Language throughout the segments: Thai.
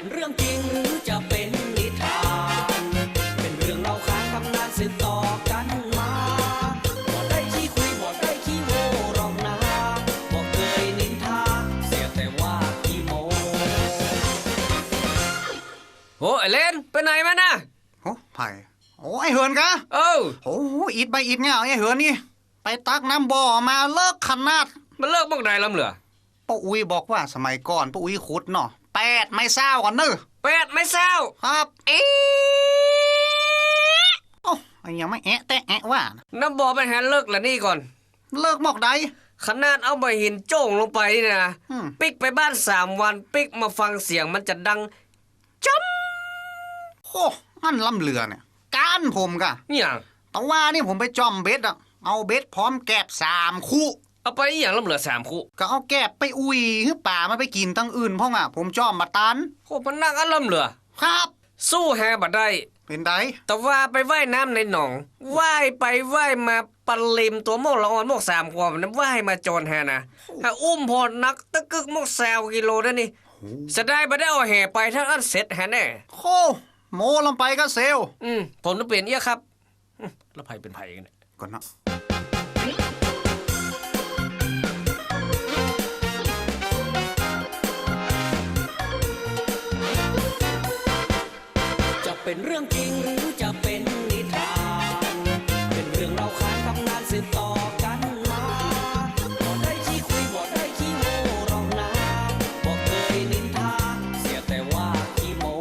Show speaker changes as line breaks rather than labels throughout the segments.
เรื่องจริงหรือจะเป็นนิทานเป็นเรื่องเล่าขานตำนานสืบต่อกันมาบ่ได้ขี้คุยบ่ได้ขี้โม้หรอกนะบ่เคยนินทาเสียแต่ว่าขี้โม้โอ้ไอเลนไปไหนมาน่ะ
โอ้ไผ่โอ้ไอเหินกะโอ้อิดใบอิดเงาไอเหินนี่ไปตักน้ำบ่อมาเลิกขนาด
มันเลิกบ้องใดลำเหลือ
ป้าอุ้ยบอกว่าสมัยก่อนป้าอุ้ยขุดเนาะ8 ไม่เศร้าก่อนเนอะ
8 ไม่เศร้า
ครับโอ้ยยังไม่แต่ว่า
น้ำบ่อไปหาเลิกละนี่ก่อน
เลิกหมอกใด
ขนาดเอาใบหินโจ่งลงไปนี่นะปิกไปบ้าน3 วันปิกมาฟังเสียงมันจะดังจ้ำ
โอ้อันล่ำเรือเนี่ยการผมกะ
อย่าง
แต่ว่านี่ผมไปจอมเบ็ดอะเอาเบ็ดพร้อมแกบ3 คู่
เอาไปอย่างล่ำเหลือ3 คู่
ก็เอาแกบไปอุ้ยคือป่ามาไปกินตั้งอื่นพ่องอ่ะผมจอมมาตัน
โอ้มันนักอันล่ำเหลือ
ครับ
สู้แฮบัดได้
เป็นได
แต่ว่าไปว่ายน้ำในหนองว่ายไปว่ายมาปลิมตัวโมกละอ่อนโมก3 ขวบนั้นว่ายมาจนแฮนะถ้าอุ้มพอนักตะกึกโมก20 กิโลได้นี่จะได้บ่ได้เอาแห่ไปถ้าอันเสร็จแฮแน่
โอ้โมลงไปก็เซล
ผมต้องเปลี่ยนเอี้ยครับแล้วไผเป็นไผกันเนี่ย
ก่อนเนาะ
เป็นเรื่องจริงหรือจะเป็นนิทานเป็นเรื่องเล่าขานตำนานสืบต่อกันมาบ่ได้ขี้คุยบ่ได้ขี้โม้หรอกนะบ่เคยนินทาเสียแต่ว่าขี้โม้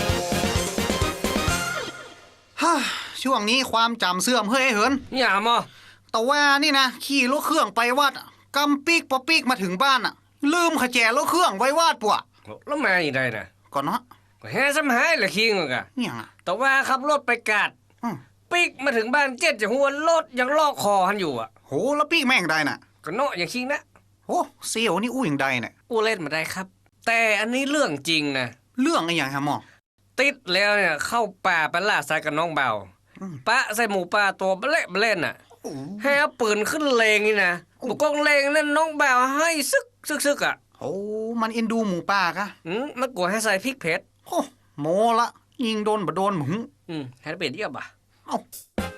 ฮ่าช่วงนี้ความจำเสื่อมเฮ้ยเหิน
อย่ามา
แต่ว่านี่นะขี่รถเครื่องไปวัดกำปีกพอปีกมาถึงบ้านอ่ะลืมขแจรถเครื่องไว้วาดปัว
แล้วมาอีกได้นะ
ก่อนเนาะ
แฮ่ซ้ำหายละคิงกะ
เนี่ยอ่ะ
แต่ว่าขับรถไปกาดปีกมาถึงบ้าน7จะหัวรถยังลอกคอหันอยู่อ่ะ
โหแล้วปีกแม่งได้น่ะ
ก็เนาะอย่างคิงนะ
โหเสี่ยวนี่อู้อย่างใดเนี่ย
อู้เล่นมาได้ครับแต่อันนี้เรื่องจริงนะ
เรื่องอะไรอย่างฮะหมอ
ติดแล้วเนี่ยเข้าป่าไปล่าสัตว์กับน้องเบาปะใส่หมูป่าตัวเละเล่นน่ะให้เอาปืนขึ้นเลงนี่นะบุกกองเลงนั่นน้องเบาให้ซึกอ่ะ
โอ้มันเอ็นดูหมูป่ากะ
มันกลัวให้ใส่พริกเผ็ด
โอ้โมละยิงโดนบ่โดนหมึง
ให้เปลี่ยนเยอะบ่ะ
เอ้า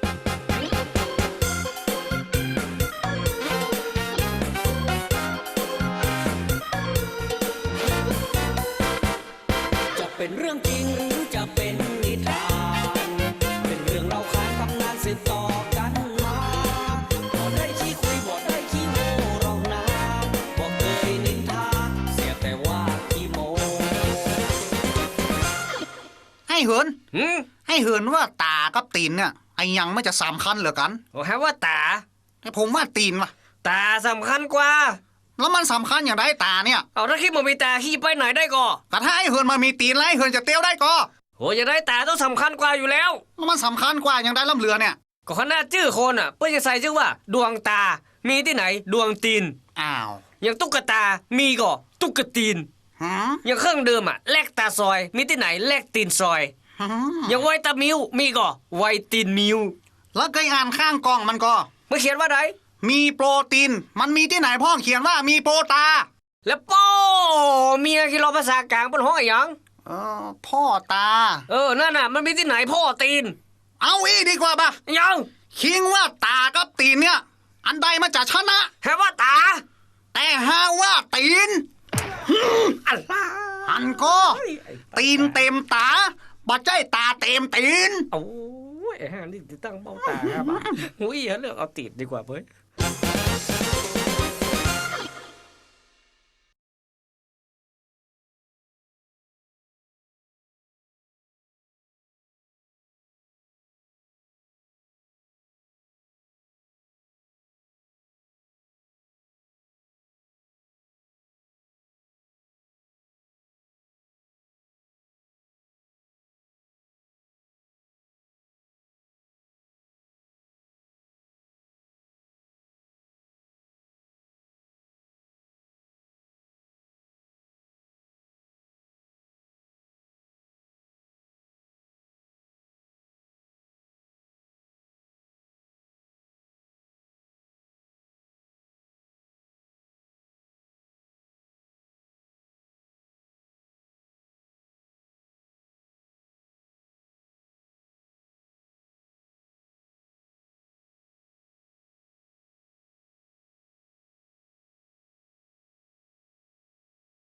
จะเป็นเรื่องจริงหรือจะเป็นนิทานเป็นเรื่องเล่าขานตำนานสืบต่อกันมาบ่ได้ขี้คุยบ่ได้ขี้โม้หรอกนะบ่เคยนินทาเสียแต่ว่าขี้โม้
ให้เหินให้เหินว่าตากับตีนเนี่ยไอ้ยังไม่จะสำคัญเหลือกัน
โอ้ฮะว่าตา
แต่ผมว่าตีนว่ะ
ตาสำคัญกว่า
แล้วมันสำคัญอย่างไรตาเนี่ย
เอาถ้าคิดมันมีตาขี้ไปไหนได้ก็
ถ้าไอ้เหินมามีตีนแล้วไอ้เหินจะเตี้ยวได้ก็
โหจะได้ตาต้องสำคัญกว่าอยู่แล้ว
มันสำคัญกว่าอย่างไรล่ำเหลือเนี่ย
ก็ขนาดชื่อคนอ่ะเพื่อจะใส่ชื่อว่าดวงตามีที่ไหนดวงตีน
อ้าว
อย่างตุ๊กตามีก็ตุ๊กตีนอย่างเครื่องเดิมอ่ะแลกตาซอยมีที่ไหนแลกตีนซอยอย่างไวตามิวมีก็ไวตีนมิว
แล้วเคยอ่านข้างกล่องมันก็
เมื่อเขียนว่าได
มีโปรตีนมันมีที่ไหนพ่อเขียนว่ามีโปรตา
แล้วป้อเมียคิดเราภาษากลางเป็นห้องอย่าง
พ่อตา
นั่นน่ะมันมีที่ไหนพ่อตีน
เอาอีดีกว่าป่ะ
ยัง
คิงว่าตากับตีนเนี่ยอันใดมาจากชนะ
แค่ว่าตา
แต่หาว่าตีน
อะไร
อันก็ตีนเต็มตาบ่ใจตาเต็มตีน
โอ้ยนี่ตั้งเบ้าตาครับหุ้ยเลือกเอาตีนดีกว่าเว้ย